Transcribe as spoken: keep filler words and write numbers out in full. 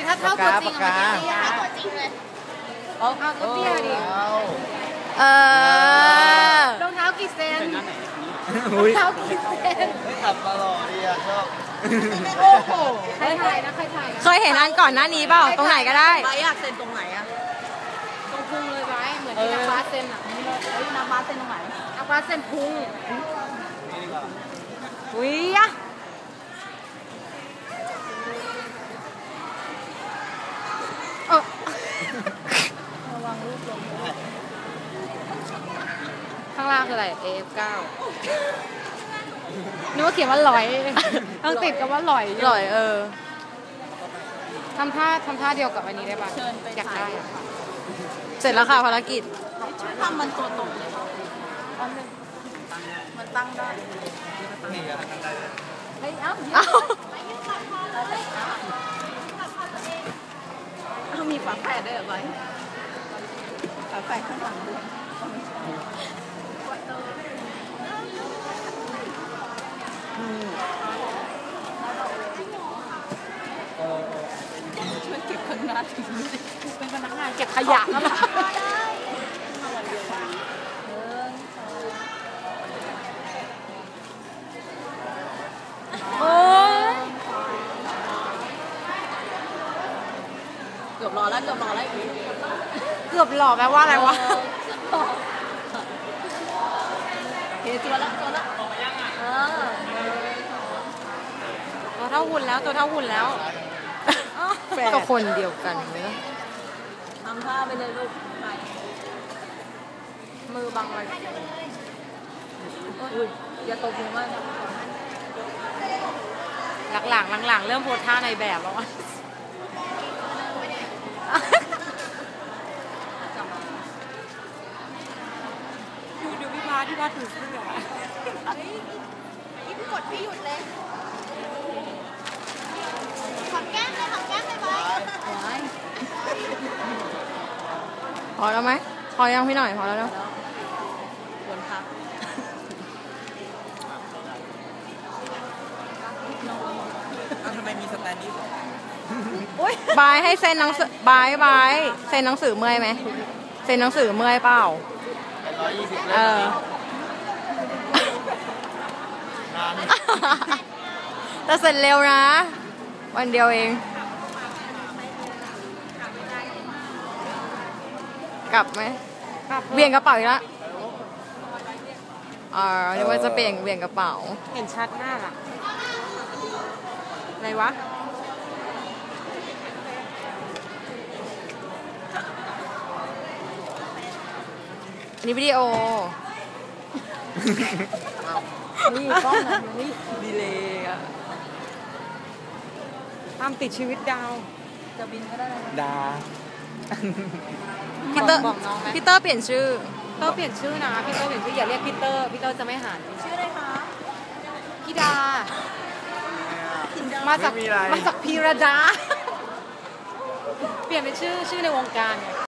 ถ้าเท่าตัวจริงอะมันเตี้ยตัวจริงเลยเอาก็เตี้ยดิเออรองเท้ากี่เซนรองเท้ากี่เซนขับมาหล่อดีอ่ะชอบโอ้โหใครถ่ายนะใครถ่ายเคยเห็นอันก่อนหน้านี้เปล่าตรงไหนก็ได้ไบอยากเซนตรงไหนอะตรงพุงเลยไบเหมือนที่นักบาสเซนอะเฮ้ยนักบาสเซนตรงไหนนักบาสเซนพุงอุ้ยอะเออระวังลูกลงข้างล่างคืออะไร เอ เอฟ เก้า นึกว่าเขียนว่าลอยต้องติดกับว่าลอยลอยเออทำท่าทำท่าเดียวกับอันนี้ได้ป่ะอยากได้เสร็จแล้วค่ะภารกิจทำมันตัวตรงเลยมันตั้งได้เฮ้ยเอ้าเอ้ามีฝาแฝดด้วยเหรอไว้ฝาแฝดข้างหลังด้วยช่วยเก็บขยะถึงเป็นพนักงานเก็บขยะแล้วล่ะโอ้ยเกือบรอแล้วเกือบรอแล้วอีกเกือบหล่อแปลว่าอะไรวะเฮ้ยตัวละตัวละเออตัวเท่าหุ่นแล้วตัวเท่าหุ่นแล้วก็คนเดียวกันเนอะทำท่าไปเลยลูกมือบังไว้อย่าตกหัวมากนะหลังๆหลังๆเริ่มโพสท่าในแบบแล้วดูดูพี่พาที่พาถือเสื้อพี่กดพี่หยุดเลยหอมแก้มเลยหอมแก้มเลยไว้พอแล้วไหมพอยังพี่หน่อยพอแล้วเนาะควรพักทำไมมีสแตนดี้บายให้เซ็นหนังสือบายบายเซ็นหนังสือเมื่อยไหมเซ็นหนังสือเมื่อยเปล่าเออแต่เสร็จเร็วนะวันเดียวเองกลับไหมเบี่ยงกระเป๋าอีกแล้วอ่าเรียกว่าจะเปลี่ยนเบี่ยงกระเป๋าเห็นชัดหน้าล่ะอะไรวะอันนี้วิดีโอนี่กล้องนะนี่ดีเลยอะตามติดชีวิตดาวจะบินก็ได้ดาพี่เตอร์พี่เตอร์เปลี่ยนชื่อเตอร์เปลี่ยนชื่อนะพี่เตอร์เปลี่ยนชื่ออย่าเรียกพี่เตอร์พี่เตอร์จะไม่หันชื่ออะไรคะพี่ดามาจากมาจากพีรดาเปลี่ยนเป็นชื่อชื่อในวงการ